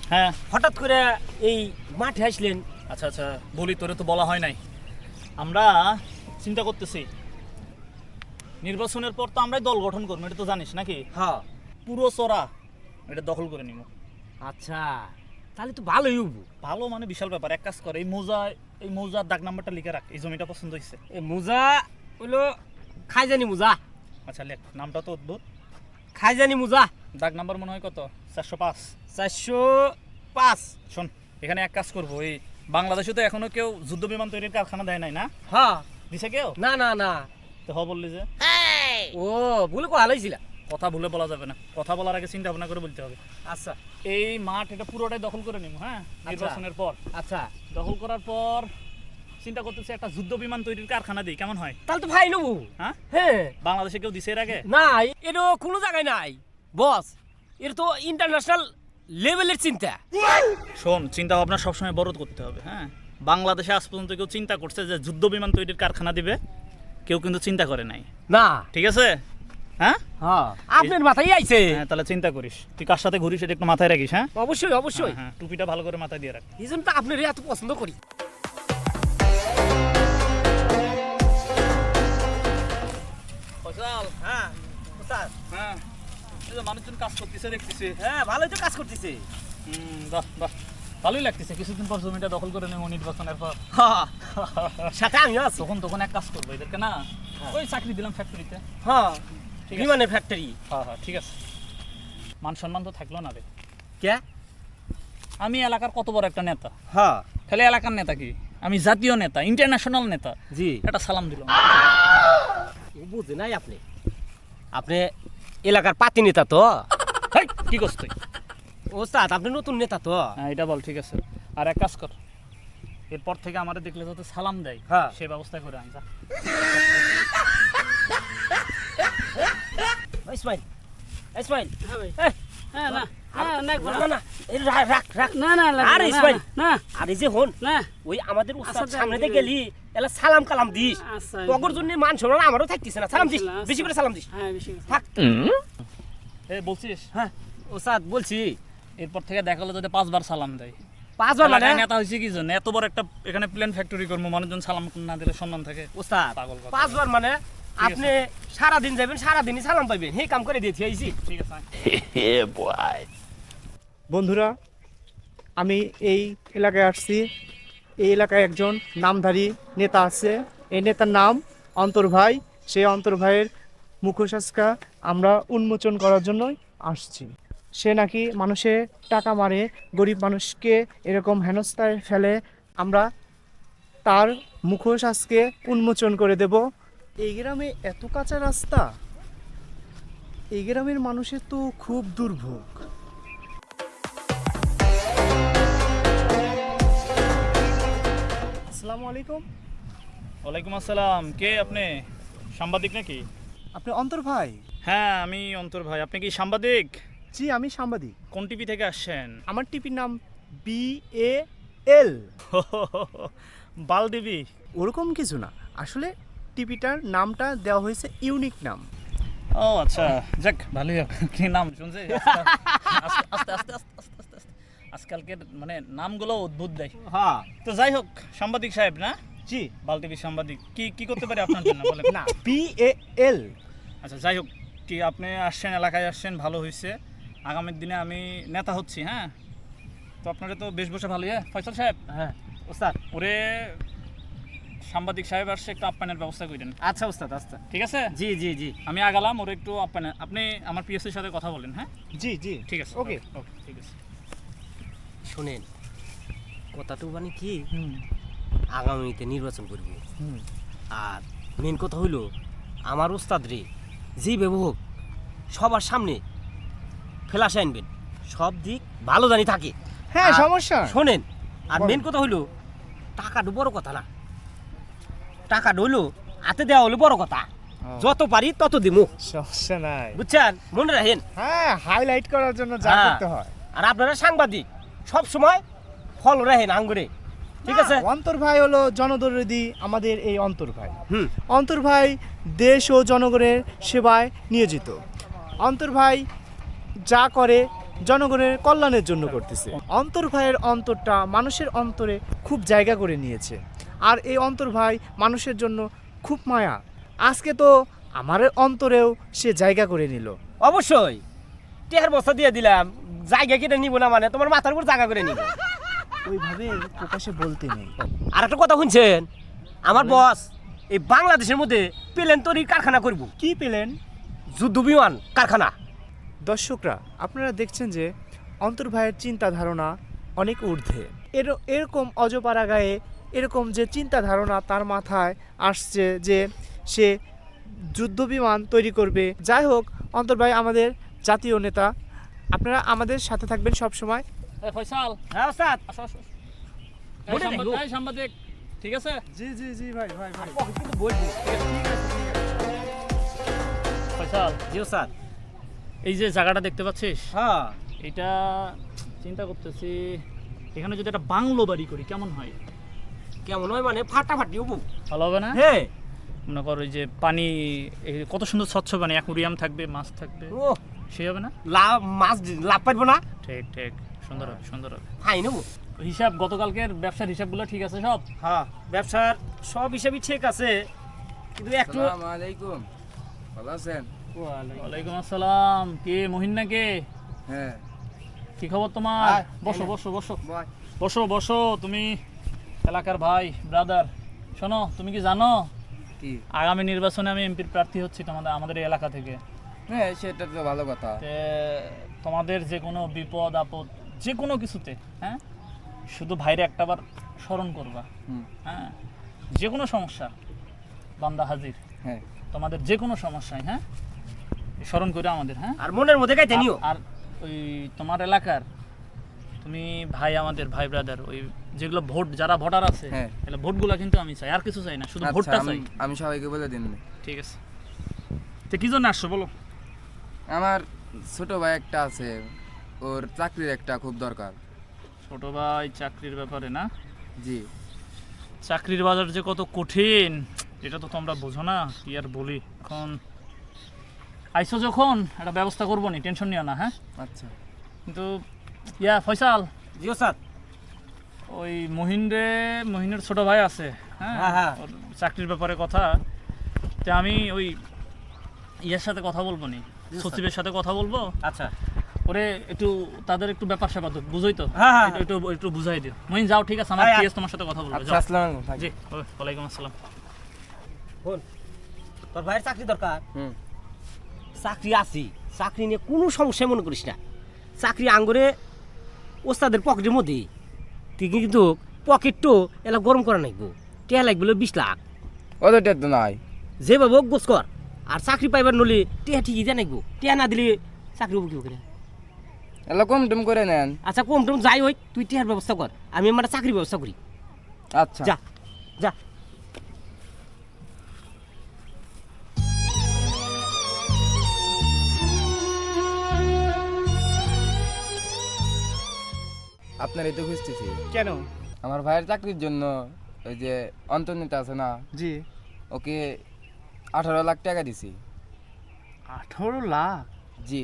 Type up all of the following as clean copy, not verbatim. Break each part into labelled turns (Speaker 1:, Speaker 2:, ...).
Speaker 1: হ্যাঁ
Speaker 2: হঠাৎ করে এই মাঠে আসলেন?
Speaker 1: আচ্ছা আচ্ছা বলি, তোরে তো বলা হয় নাই। আমরা চিন্তা করতেছি নির্বাচনের পর তো আমরাই দল গঠন করবো, এটা তো জানিস নাকি?
Speaker 2: হ্যাঁ।
Speaker 1: পুরো চড়া এটা দখল করে নিব।
Speaker 2: আচ্ছা, তাহলে তো ভালোই হবো।
Speaker 1: ভালো মানে বিশাল ব্যাপার। এক কাজ কর, এই মৌজার দাগ নাম্বারটা লিখে রাখ। এই জমিটা পছন্দ হয়েছে।
Speaker 2: এই মোজা হইলো খাইজানি মোজা।
Speaker 1: আচ্ছা লেখ, নামটা তো অদ্ভুত।
Speaker 2: খাইজানি মোজা।
Speaker 1: দাগ নাম্বার মনে হয় কত? 405।
Speaker 2: 405।
Speaker 1: শোন, এখানে এক কাজ করবো, এই বাংলাদেশে তো এখনো কেউ যুদ্ধ বিমান তৈরির কারখানা দেয় নাই না?
Speaker 2: হ্যাঁ।
Speaker 1: দিছে কেউ?
Speaker 2: না না না।
Speaker 1: তো বললি যে
Speaker 2: ও ভুলে কথা হইছিল।
Speaker 1: কথা ভুলে বলা যাবে না, কথা বলার আগে চিন্তা ভাবনা করে বলতে হবে।
Speaker 2: আচ্ছা,
Speaker 1: এই মাঠ এটা পুরোটাই দখল করে নিব। হ্যাঁ, নির্বাচনের পর।
Speaker 2: আচ্ছা,
Speaker 1: দখল করার পর চিন্তা করতেছি একটা যুদ্ধ বিমান তৈরির কারখানা দিই, কেমন হয়?
Speaker 2: তাহলে তো ভাই নেবো।
Speaker 1: হ্যাঁ
Speaker 2: হ্যাঁ।
Speaker 1: বাংলাদেশে কেউ দিছে এর আগে?
Speaker 2: না, এটা কোনো জায়গায় নাই বস। এটা তো ইন্টারন্যাশনাল লেভেলের চিন্তা।
Speaker 1: শোন, চিন্তা ভাবনা সবসময় বড় করতে হবে। হ্যাঁ, বাংলাদেশে আজ পর্যন্ত কেউ চিন্তা করছে যে যুদ্ধ বিমান তৈরির কারখানা দিবে? কেউ কিন্তু চিন্তা করে নাই।
Speaker 2: না।
Speaker 1: ঠিক আছে? হ্যাঁ
Speaker 2: হ্যাঁ, আপনার মাথায় আইছে।
Speaker 1: হ্যাঁ, তাহলে চিন্তা করিস, তুই কার সাথে ঘুরিস এটা একটু মাথায় রাখিস। হ্যাঁ
Speaker 2: অবশ্যই অবশ্যই।
Speaker 1: হ্যাঁ, টুপিটা ভালো করে মাথায় দিয়ে রাখ।
Speaker 2: এই জন্য তো আপনার এত পছন্দ করি। হ্যাঁ স্যার।
Speaker 1: হ্যাঁ, এই যে মানুষজন কাজ করতেছে দেখতেছি।
Speaker 2: হ্যাঁ, ভালোই তো কাজ করতেছে।
Speaker 1: বাহ বাহ, ভালোই লাগতেছে। কিছুদিন পর জমিটা দখল করে নেব নির্বাচনের পর।
Speaker 2: হ্যাঁ, সাথে আমি আছি।
Speaker 1: তখন এক কাজ করবো এদেরকে না, ওই চাকরি দিলাম ফ্যাক্টরিতে।
Speaker 2: হ্যাঁ,
Speaker 1: ঠিক আছে।
Speaker 2: বিমানের ফ্যাক্টরি।
Speaker 1: হ্যাঁ হ্যাঁ ঠিক আছে। মান সম্মান তো থাকলো না রে।
Speaker 2: কে?
Speaker 1: আমি এলাকার কত বড় একটা নেতা।
Speaker 2: হ্যাঁ।
Speaker 1: খালি এলাকার নেতা কি, আমি জাতীয় নেতা, ইন্টারন্যাশনাল নেতা।
Speaker 2: জি।
Speaker 1: একটা সালাম দিল।
Speaker 2: বুঝে নাই আপনি। আপনি এলাকার পাতি নেতা তো?
Speaker 1: কি করছ তুই?
Speaker 2: ওস্তাদ, আপনি নতুন নেতা তো?
Speaker 1: হ্যাঁ এটা বল। ঠিক আছে, আর এক কাজ কর, এরপর থেকে আমাদের দেখলে যাতে সালাম দেয়,
Speaker 2: হ্যাঁ,
Speaker 1: সে ব্যবস্থা করে আন। যা
Speaker 2: ইসমাইল, ইসমাইল।
Speaker 3: হ্যাঁ না হ্যাঁ না
Speaker 2: না না, এই রাখ রাখ।
Speaker 3: না না
Speaker 2: আরে ইসমাইল,
Speaker 3: না
Speaker 2: আরে যে হন
Speaker 3: না।
Speaker 2: ওই আমাদের উস্তাদ
Speaker 3: আচ্ছা,
Speaker 2: সামনে দিয়ে
Speaker 3: দিবি।
Speaker 2: গেলি এলা সালাম কালাম দিস।
Speaker 3: আচ্ছা
Speaker 2: তগর জন্য মান সম্মান আমারও থাকতেছে না। সালাম দিস,
Speaker 3: আচ্ছা।
Speaker 2: বেশি করে সালাম দিস।
Speaker 3: হ্যাঁ বেশি করে।
Speaker 2: থাক।
Speaker 1: বলছিস?
Speaker 2: হ্যাঁ ওস্তাদ বলছি,
Speaker 1: এরপর থেকে দেখা হলো যাতে 5 বার সালাম দেয়।
Speaker 2: 5 বার মানে?
Speaker 1: এলাকায় নেতা হয়েছে কি জন্য? এত বড় একটা এখানে প্লেন ফ্যাক্টরি করবো, মানুষজন সালাম না দিলে সম্মান থাকে?
Speaker 2: ওস্তাদ
Speaker 1: পাগল কথা।
Speaker 2: 5 বার মানে আপনি সারা দিন যাবেন, সারা দিনই সালাম পাইবেন। হে কাম করে দিয়েছি আইছি।
Speaker 1: ঠিক আছে।
Speaker 4: বন্ধুরা, আমি এই এলাকায় আসছি। এই এলাকায় একজন নামধারী নেতা আছে। এই নেতার নাম অন্তর ভাই। সেই অন্তর ভাইয়ের মুখোশাস্কা আমরা উন্মোচন করার জন্যই আসছি। সে নাকি মানুষে টাকা মারে, গরিব মানুষকে এরকম হেনস্থায় ফেলে। আমরা তার মুখোশ আজকে উন্মোচন করে দেব। এই গ্রামে এত কাঁচা রাস্তা, এই গ্রামের মানুষের তো খুব দুর্ভোগ। আসসালামু আলাইকুম।
Speaker 1: ওয়ালাইকুম আসসালাম। কে আপনি? সাংবাদিক নাকি?
Speaker 4: আপনি অন্তর ভাই?
Speaker 1: হ্যাঁ আমি অন্তর ভাই। আপনি কি সাংবাদিক?
Speaker 4: জি, আমি সাংবাদিক।
Speaker 1: কোন টিভি থেকে আসছেন?
Speaker 4: আমার টিভির নাম BAL।
Speaker 1: বাল টিভি?
Speaker 4: ওরকম কিছু না, আসলে টিভিটার নামটা দেওয়া হয়েছে ইউনিক নাম।
Speaker 1: ও আচ্ছা, যাক ভালোই। কি নাম শুনছে? আস্তে আস্তে আস্তে আস্তে আস্তে আস্তে আস্তে। আজকালকের মানে নামগুলো অদ্ভুত দেয়।
Speaker 2: হ্যাঁ।
Speaker 1: তো যাই হোক, সাংবাদিক সাহেব না?
Speaker 4: জি।
Speaker 1: বাল টিভির সাংবাদিক। কি কি করতে পারি আপনার জন্য বলেন?
Speaker 4: না, BAL।
Speaker 1: আচ্ছা যাই হোক, কি আপনি আসছেন, এলাকায় আসছেন, ভালো হয়েছে। আগামী দিনে আমি নেতা হচ্ছি। হ্যাঁ, তো আপনারা তো বেশ বসে ভালোই। হ্যাঁ ফয়সাল সাহেব।
Speaker 2: হ্যাঁ ওস্তাদ।
Speaker 1: ওরে সাংবাদিক সাহেব আসছে, একটু আপ্যায়নের ব্যবস্থা করেন।
Speaker 2: আচ্ছা ওস্তাদ, আচ্ছা।
Speaker 1: ঠিক আছে?
Speaker 2: জি জি জি।
Speaker 1: আমি আগালাম, ওরে একটু আপ্যায়ন। আপনি আমার পিএসসির সাথে কথা বলেন। হ্যাঁ
Speaker 4: জি জি
Speaker 1: ঠিক আছে।
Speaker 4: ওকে
Speaker 1: ওকে ঠিক আছে।
Speaker 2: শোনেন, কথাটা মানে কি, আগামীতে নির্বাচন করব। আর মেন কথা হইল, আমার ওস্তাদ রে যেভাবে হোক সবার সামনে ফেলাস আনবেন, সব দিক ভালো জানি থাকে।
Speaker 4: হ্যাঁ,
Speaker 2: আর
Speaker 4: সমস্যা।
Speaker 2: শোনেন, আর
Speaker 4: বলেন।
Speaker 2: মেন কথা হইল, টাকাটা বড় কথা না। টাকাটা হইলো হাতে দেওয়া হলো বড় কথা। যত পারি তত দিমু।
Speaker 4: সমস্যা নাই।
Speaker 2: বুঝছেন? মনে রাখেন।
Speaker 4: হ্যাঁ, হাইলাইট করার জন্য যা
Speaker 2: হ্যাঁ।
Speaker 4: করতে হয়।
Speaker 2: আর আপনারা সাংবাদিক, সব সময় ফলো রাখেন আঙ্গুরে। ঠিক আছে?
Speaker 4: অন্তর ভাই হলো জনদরদি, আমাদের এই অন্তর ভাই।
Speaker 2: হুম।
Speaker 4: অন্তর ভাই দেশ ও জনগণের সেবায় নিয়োজিত। অন্তর ভাই যা করে জনগণের কল্যাণের জন্য করতেছে। অন্তর ভাইয়ের অন্তরটা মানুষের অন্তরে খুব জায়গা করে নিয়েছে, আর এই অন্তর ভাই মানুষের জন্য খুব মায়া। আজকে তো আমার অন্তরেও সে জায়গা করে নিল।
Speaker 2: অবশ্যই টেহার বস্তা দিয়ে দিলাম, জায়গা কেটে নিব না মানে তোমার মাথার উপর জায়গা করে নিব।
Speaker 4: ওইভাবে প্রকাশে বলতে নেই।
Speaker 2: আর একটা কথা শুনছেন, আমার বস এই বাংলাদেশের মধ্যে প্লেন তৈরির কারখানা করব।
Speaker 4: কি পেলেন?
Speaker 2: যুদ্ধ বিমান কারখানা।
Speaker 4: দর্শকরা, আপনারা দেখছেন যে অন্তর ভাইয়ের চিন্তা ধারণা অনেক ঊর্ধ্বে। এরকম অজপাড়া গায়ে এরকম যে চিন্তা ধারণা তার মাথায় আসছে যে সে যুদ্ধবিমান তৈরি করবে। যাই হোক, অন্তর ভাই আমাদের জাতীয় নেতা, আপনারা আমাদের সাথে থাকবেন সব সময়।
Speaker 1: এই ফয়সাল,
Speaker 2: হ্যাঁ ওস্তাদ।
Speaker 1: আসো আসো। এই
Speaker 2: বলে দেখো।
Speaker 1: এই সাংবাদিক, ঠিক আছে?
Speaker 4: জি জি জি ভাই ভাই ভাই।
Speaker 1: ফয়সাল,
Speaker 2: জি ওস্তাদ।
Speaker 1: এই যে জায়গাটা দেখতে পাচ্ছিস,
Speaker 2: হ্যাঁ
Speaker 1: এটা চিন্তা করতেছি এখানে যদি একটা বাংলো বাড়ি করি কেমন হয়?
Speaker 2: কেমন হয় মানে ফাটাফাটি হবো।
Speaker 1: ভালো হবে না?
Speaker 2: হ্যাঁ।
Speaker 1: মনে করো ওই যে পানি, এই কত সুন্দর স্বচ্ছ পানি, অ্যাকুরিয়াম থাকবে, মাছ থাকবে,
Speaker 2: ও
Speaker 1: সেই হবে না?
Speaker 2: লাভ মাছ লাভ পাইবো না।
Speaker 1: ঠিক ঠিক, সুন্দর হবে সুন্দর হবে।
Speaker 2: হাই নেবো।
Speaker 1: হিসাব গতকালকের ব্যবসার হিসাবগুলো ঠিক আছে সব?
Speaker 2: হ্যাঁ ব্যবসার সব হিসাবই ঠিক আছে, কিন্তু একটু
Speaker 5: আসসালামু আলাইকুম, ভালো আছেন?
Speaker 1: ওয়ালাইকুম আসসালাম। কে মহিন না কে?
Speaker 5: হ্যাঁ,
Speaker 1: কি খবর তোমার?
Speaker 5: আয়,
Speaker 1: বসো
Speaker 5: এই নে।
Speaker 1: বসো বসো
Speaker 5: বয়।
Speaker 1: বসো বসো। তুমি এলাকার ভাই, ব্রাদার। শোনো, তুমি কি জানো
Speaker 5: কি?
Speaker 1: আগামী নির্বাচনে আমি এমপির প্রার্থী হচ্ছি আমাদের এই এলাকা থেকে।
Speaker 5: হ্যাঁ, সেটা তো ভালো কথা।
Speaker 1: তে তোমাদের যে কোনো বিপদ আপদ যে কোনো কিছুতে, হ্যাঁ, শুধু ভাইরে একটাবার স্মরণ করবা।
Speaker 5: হুম,
Speaker 1: হ্যাঁ, যে কোনো সমস্যা বান্দা হাজির।
Speaker 5: হ্যাঁ,
Speaker 1: তোমাদের যে কোনো সমস্যায়, হ্যাঁ, স্মরণ করে আমাদের। হ্যাঁ,
Speaker 2: আর মনের মধ্যে গাইতে নিও।
Speaker 1: আর ওই তোমার এলাকার তুমি ভাই, আমাদের ভাই ব্রাদার, ওই যেগুলো ভোট, যারা ভোটার আছে,
Speaker 5: হ্যাঁ।
Speaker 1: তাহলে ভোটগুলো কিন্তু আমি চাই, আর কিছু চাই না, শুধু
Speaker 5: আচ্ছা,
Speaker 1: ভোটটা চাই।
Speaker 5: আমি সবাইকে বলে দিন।
Speaker 1: ঠিক আছে, তো কি জন্য আসছো বলো?
Speaker 5: আমার ছোট ভাই একটা আছে, ওর চাকরির একটা খুব দরকার।
Speaker 1: ছোট ভাই চাকরির ব্যাপারে না?
Speaker 5: জি,
Speaker 1: চাকরির বাজার যে কত কঠিন এটা তো তোমরা বোঝো না, কি আর বলি। এখন আইসো যখন, একটা ব্যবস্থা করবো নি, টেনশন নিও না। হ্যাঁ,
Speaker 5: আচ্ছা।
Speaker 1: কিন্তু ফয়সাল,
Speaker 2: জি ওস্তাদ।
Speaker 1: ওই মহিনের ছোট ভাই আছে, হ্যাঁ,
Speaker 2: হ্যাঁ, হ্যাঁ।
Speaker 1: ওর চাকরির ব্যাপারে কথা। তা আমি ওই ইয়ের সাথে কথা বলবো নি,
Speaker 2: জি,
Speaker 1: সচিবের সাথে কথা বলবো।
Speaker 2: আচ্ছা
Speaker 1: ওরে একটু তাদের একটু ব্যাপার স্যাপার তো বুঝোই তো,
Speaker 2: হ্যাঁ, হ্যাঁ,
Speaker 1: একটু একটু একটু বুঝাই দিও। মহিন যাও, ঠিক আছে, আমার
Speaker 2: হ্যাঁ,
Speaker 1: পিএস তোমার সাথে কথা বলবো।
Speaker 5: আচ্ছা,
Speaker 1: যাও।
Speaker 5: আসসালামু আলাইকুম। থাক।
Speaker 1: জি, ওয়ালাইকুম আসসালাম।
Speaker 2: শোন, তোর ভাইয়ের চাকরি দরকার।
Speaker 5: হুম,
Speaker 2: চাকরি আছি, চাকরি নিয়ে কোনো সমস্যা মনে করিস না। চাকরি আঙ্গুরে ওস্তাদের পকেটের মধ্যে, তুই কিন্তু পকেটটো এলা গরম করা নাকবো। টেয়া লাগবে 20 লাখ,
Speaker 5: ওদেরটা তো নাই।
Speaker 2: যেভাবে হোক গোস কর। আর চাকরি পাইবার নলে টেয়া ঠিকই যা নাকবো, টেয়া না দিলে চাকরি হবো কি করে?
Speaker 5: এলা কম টম করে নেন।
Speaker 2: আচ্ছা কম টম যাই হোক, তুই টেয়ার ব্যবস্থা কর, আমি আমার চাকরির ব্যবস্থা করি।
Speaker 5: আচ্ছা,
Speaker 2: যা যা।
Speaker 5: আপনার এই তো খুঁজতেছি।
Speaker 4: কেন?
Speaker 5: আমার ভাইয়ের চাকরির জন্য ওই যে অন্তর্নেতা আছে না,
Speaker 4: জি।
Speaker 5: ওকে 18 লাখ টাকা দিছি।
Speaker 4: 18 লাখ?
Speaker 5: জি,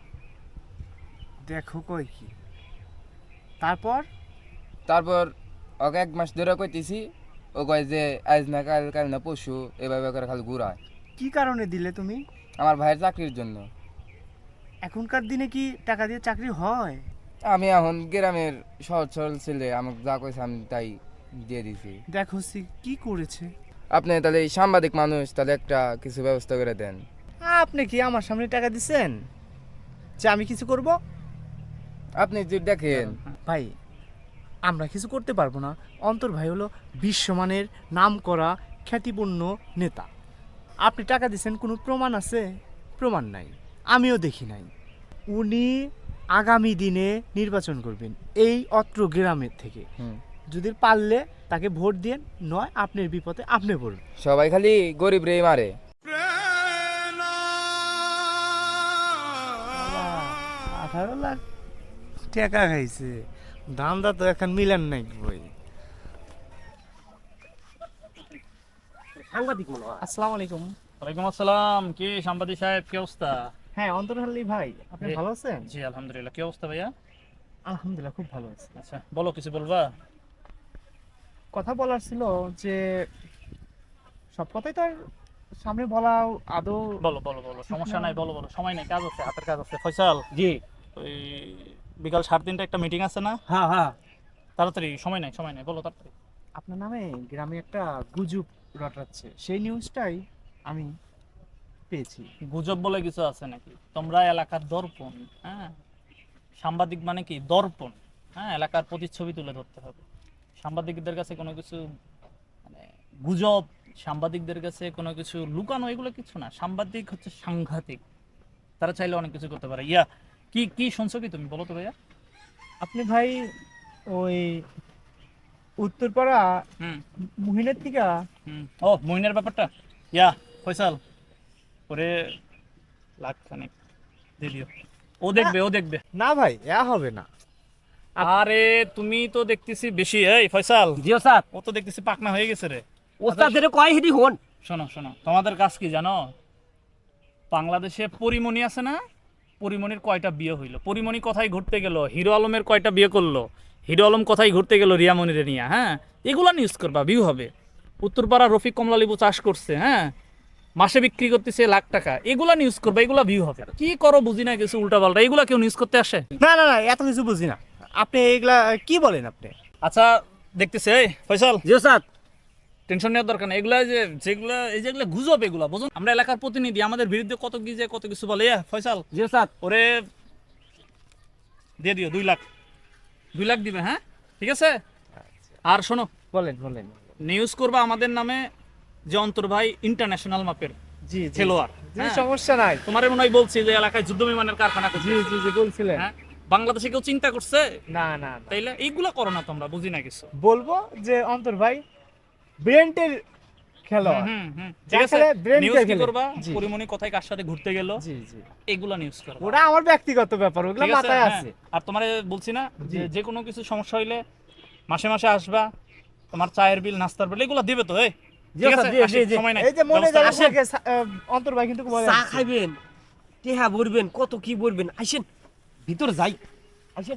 Speaker 4: দেখো কই কি। তারপর?
Speaker 5: তারপর ওকে 1 মাস ধরে কইতেছি, ও কয় যে আজ না কাল, কাল না পরশু, এভাবে করে খালি ঘুরায়।
Speaker 4: কি কারণে দিলে তুমি?
Speaker 5: আমার ভাইয়ের চাকরির জন্য।
Speaker 4: এখনকার দিনে কি টাকা দিয়ে চাকরি হয়?
Speaker 5: আমি এখন গ্রামের সহজ সরল ছেলে, আমাকে যা কইছে আমি তাই দিয়ে দিছি।
Speaker 4: দেখো কি করেছে।
Speaker 5: আপনি তাহলে এই সাংবাদিক মানুষ, তাহলে একটা কিছু ব্যবস্থা করে দেন।
Speaker 4: আপনি কি আমার সামনে টাকা দিছেন যে আমি কিছু করব?
Speaker 5: আপনি যদি দেখেন।
Speaker 4: ভাই, আমরা কিছু করতে পারবো না। অন্তর ভাই হলো বিশ্বমানের নামকরা খ্যাতিপূর্ণ নেতা। আপনি টাকা দিছেন, কোনো প্রমাণ আছে? প্রমাণ নাই, আমিও দেখি নাই। উনি আগামী দিনে নির্বাচন করবেন এই অত্র গ্রামের থেকে।
Speaker 5: হুম,
Speaker 4: যদি পারলে তাকে ভোট দিয়ে, নয় আপনার বিপদে আপনি পড়বেন।
Speaker 5: সবাই খালি গরিব রে মারে।
Speaker 4: 18 লাখ টাকা খাইছে, দামটা তো এখন মিলান নাই বই।
Speaker 2: সাংবাদিক মনে হয়।
Speaker 4: আসসালামু আলাইকুম।
Speaker 1: ওয়ালাইকুম আসসালাম। কি সাংবাদিক সাহেব, কি অবস্থা?
Speaker 4: হ্যাঁ অন্তর আলী ভাই, আপনি
Speaker 1: জি।
Speaker 4: ভালো আছেন?
Speaker 1: জি আলহামদুলিল্লাহ, কি অবস্থা ভাইয়া?
Speaker 4: আলহামদুলিল্লাহ খুব ভালো আছি।
Speaker 1: আচ্ছা বলো, কিছু বলবা?
Speaker 4: কথা বলার ছিল যে সব কথাই তো আর সামনে বলা আদৌ।
Speaker 1: বলো বলো বলো, সমস্যা নাই, বলো বলো, সময় নাই, কাজ আছে, হাতের কাজ আছে। ফয়সাল,
Speaker 2: জি।
Speaker 1: ওই বিকাল 3:30 একটা মিটিং আছে না?
Speaker 2: হ্যাঁ হ্যাঁ।
Speaker 1: তাড়াতাড়ি, সময় নাই, বলো তাড়াতাড়ি।
Speaker 4: আপনার নামে গ্রামে একটা গুজব রটাচ্ছে, সেই নিউজটাই আমি পেয়েছি।
Speaker 1: গুজব বলে কিছু আছে নাকি? তোমরা এলাকার দর্পণ, হ্যাঁ, সাংবাদিক মানে কি দর্পণ, হ্যাঁ, এলাকার প্রতিচ্ছবি তুলে ধরতে হবে। সাংবাদিকদের কাছে কোনো কিছু মানে গুজব, সাংবাদিকদের কাছে কোনো কিছু লুকানো, এগুলো কিছু না। সাংবাদিক হচ্ছে সাংঘাতিক, তারা চাইলে অনেক কিছু করতে পারে। ইয়া কি কি শুনছো কি তুমি, বলো তো ভাইয়া।
Speaker 4: আপনি ভাই ওই উত্তরপাড়া
Speaker 1: হুম
Speaker 4: মুহিনের থেকে
Speaker 1: হুম, ও মইনের ব্যাপারটা, ইয়া ফয়সাল ওরে লাখ খানিক দিয়ে দিও, ও দেখবে, ও দেখবে।
Speaker 4: না ভাই, হবে না।
Speaker 1: আরে তুমি তো দেখতেছি বেশি, এই ফয়সাল,
Speaker 2: জি ওস্তাদ।
Speaker 1: ও তো দেখতেছি পাকনা হয়ে গেছে রে।
Speaker 2: ওস্তাদের কয় হেডি হন।
Speaker 1: শোনো শোনো, তোমাদের কাজ কি জানো? বাংলাদেশে পরিমণি আছে না, পরিমণির কয়টা বিয়ে হইলো, পরিমণি কোথায় ঘুরতে গেল, হিরো আলমের কয়টা বিয়ে করলো, হিরো আলম কোথায় ঘুরতে গেল রিয়ামণিরে নিয়ে, হ্যাঁ, এগুলা নিউজ করবা, ভিউ হবে। উত্তরপাড়া রফিক কমলা লেবু চাষ করছে, হ্যাঁ, মাসে বিক্রি করতেছে লাখ টাকা, এগুলা নিউজ করবা, এগুলা ভিউ হবে। কি করো বুঝি না কিছু উল্টা পাল্টা, এগুলা কেউ নিউজ করতে আসে?
Speaker 4: না না না, এত কিছু বুঝি না। আপনি এগুলা কি বলেন আপনি?
Speaker 1: আচ্ছা দেখতেছে, এই ফয়সাল,
Speaker 2: জি ওস্তাদ।
Speaker 1: টেনশন নেওয়ার দরকার নেই, এগুলা যে যেগুলা এই যেগুলা গুজব, এগুলা বুঝুন, আমরা এলাকার প্রতিনিধি, আমাদের বিরুদ্ধে কত কি যে কত কিছু বলে। ফয়সাল
Speaker 2: জি ওস্তাদ।
Speaker 1: ওরে দিয়ে দিও 2 লাখ, 2 লাখ দিবে, হ্যাঁ ঠিক আছে। আর শোনো,
Speaker 4: বলেন বলেন।
Speaker 1: নিউজ করবা আমাদের নামে যে অন্তর ভাই ইন্টারন্যাশনাল মাপের
Speaker 4: জি
Speaker 1: খেলোয়াড়,
Speaker 4: জি,
Speaker 1: হ্যাঁ?
Speaker 4: সমস্যা নাই।
Speaker 1: তোমার মনে হয় বলছি যে এলাকায় যুদ্ধ বিমানের কারখানা করছে,
Speaker 4: জি জি জি বলছিলেন।
Speaker 1: হ্যাঁ, বাংলাদেশে কেউ চিন্তা করছে?
Speaker 4: না না না,
Speaker 1: তাইলে এইগুলা করো না তোমরা, বুঝি না কিছু।
Speaker 4: বলবো যে অন্তর ভাই ব্রেন্টের খেলোয়াড়।
Speaker 1: হুম হুম,
Speaker 4: যা
Speaker 1: ঠিক আছে।
Speaker 4: খেলে brain
Speaker 1: নিউজ
Speaker 4: দিয়ে
Speaker 1: কি
Speaker 4: খেলে।
Speaker 1: করবা,
Speaker 4: জি।
Speaker 1: পরিমণি কোথায় কার সাথে ঘুরতে গেল,
Speaker 4: জি জি,
Speaker 1: এগুলা নিউজ করবা,
Speaker 4: ওটা আমার ব্যক্তিগত ব্যাপার, ওগুলো
Speaker 1: ঠিক আছে?
Speaker 4: মাথায়
Speaker 1: হ্যাঁ।
Speaker 4: আছে।
Speaker 1: আর তোমারে বলছি না
Speaker 4: জি।
Speaker 1: যে যে কোনো কিছু সমস্যা হইলে মাসে মাসে আসবা, তোমার চায়ের বিল, নাস্তার বিল, এগুলো দিবে তো, এই
Speaker 2: জি
Speaker 1: ঠিক
Speaker 2: ওস্তাদ,
Speaker 1: আছে?
Speaker 2: জি,
Speaker 1: আসি,
Speaker 2: জি, জি।
Speaker 1: সময় নাই,
Speaker 4: এই যে মনে
Speaker 1: ব্যবস্থা
Speaker 4: যাবে
Speaker 1: করো।
Speaker 4: অন্তর ভাই কিন্তু বলে
Speaker 2: চা
Speaker 4: আসছে।
Speaker 2: খাইবেন, টেহা ভরবেন, কত কি বলবেন, আইসেন ভিতর যাই, আইসেন।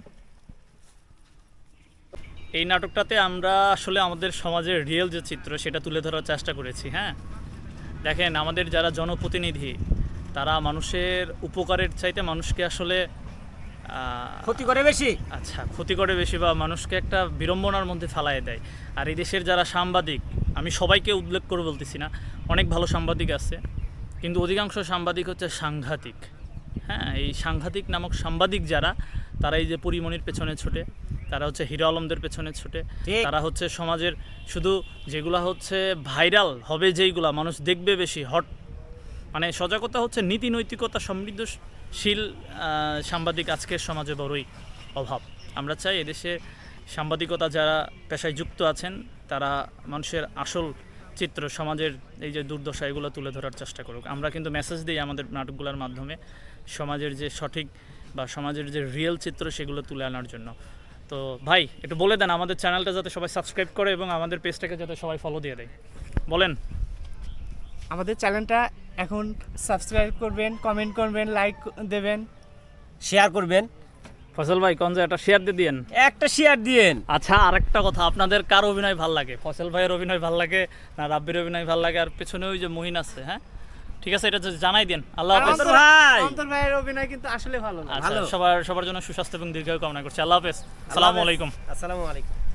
Speaker 1: এই নাটকটাতে আমরা আসলে আমাদের সমাজের রিয়েল যে চিত্র সেটা তুলে ধরার চেষ্টা করেছি। হ্যাঁ, দেখেন আমাদের যারা জনপ্রতিনিধি তারা মানুষের উপকারের চাইতে মানুষকে আসলে
Speaker 2: ক্ষতি করে বেশি।
Speaker 1: আচ্ছা ক্ষতি করে বেশি, বা মানুষকে একটা বিড়ম্বনার মধ্যে ফেলায় দেয়। আর এই দেশের যারা সাংবাদিক, আমি সবাইকে উল্লেখ করে বলতেছি না, অনেক ভালো সাংবাদিক আছে, কিন্তু অধিকাংশ সাংবাদিক হচ্ছে সাংঘাতিক। হ্যাঁ, এই সাংঘাতিক নামক সাংবাদিক যারা, তারা এই যে পরিমণির পেছনে ছোটে, তারা হচ্ছে হিরো আলমদের পেছনে ছোটে,
Speaker 2: ঠিক।
Speaker 1: তারা হচ্ছে সমাজের শুধু যেগুলা হচ্ছে ভাইরাল হবে, যেইগুলা মানুষ দেখবে বেশি, মানে সজাগতা হচ্ছে নীতি নৈতিকতা সমৃদ্ধশীল সাংবাদিক আজকের সমাজে বড়ই অভাব। আমরা চাই এদেশে সাংবাদিকতা যারা পেশায় যুক্ত আছেন তারা মানুষের আসল চিত্র, সমাজের এই যে দুর্দশা, এগুলো তুলে ধরার চেষ্টা করুক। আমরা কিন্তু মেসেজ দিই আমাদের নাটকগুলোর মাধ্যমে, সমাজের যে সঠিক বা সমাজের যে রিয়েল চিত্র সেগুলো তুলে আনার জন্য। তো ভাই একটু বলে দেন আমাদের চ্যানেলটা যাতে সবাই সাবস্ক্রাইব করে এবং আমাদের পেজটাকে যাতে সবাই ফলো দিয়ে দেয়, বলেন।
Speaker 4: আমাদের চ্যানেলটা এখন সাবস্ক্রাইব করবেন, কমেন্ট করবেন, লাইক দেবেন।
Speaker 2: শেয়ার করবেন,
Speaker 1: ফয়সাল ভাই কোন যে একটা শেয়ার দিয়ে দিয়েন।
Speaker 2: একটা শেয়ার দিয়েন।
Speaker 1: আচ্ছা আরেকটা কথা, আপনাদের কার অভিনয় ভাল লাগে? ফয়সাল ভাইয়ের অভিনয় ভাল লাগে না রাব্বির অভিনয় ভাল লাগে? আর পেছনে ওই যে মহিন আছে, হ্যাঁ ঠিক আছে, এটা যদি জানাই দেন। আল্লাহ হাফেজ।
Speaker 2: অন্তর ভাই।
Speaker 4: অন্তর ভাইয়ের অভিনয় কিন্তু আসলে ভালো লাগে।
Speaker 1: আচ্ছা, সবার জন্য সুস্বাস্থ্য এবং দীর্ঘায়ু কামনা করছি। আল্লাহ হাফেজ, আসসালামু আলাইকুম।
Speaker 2: আসসালামু আলাইকুম।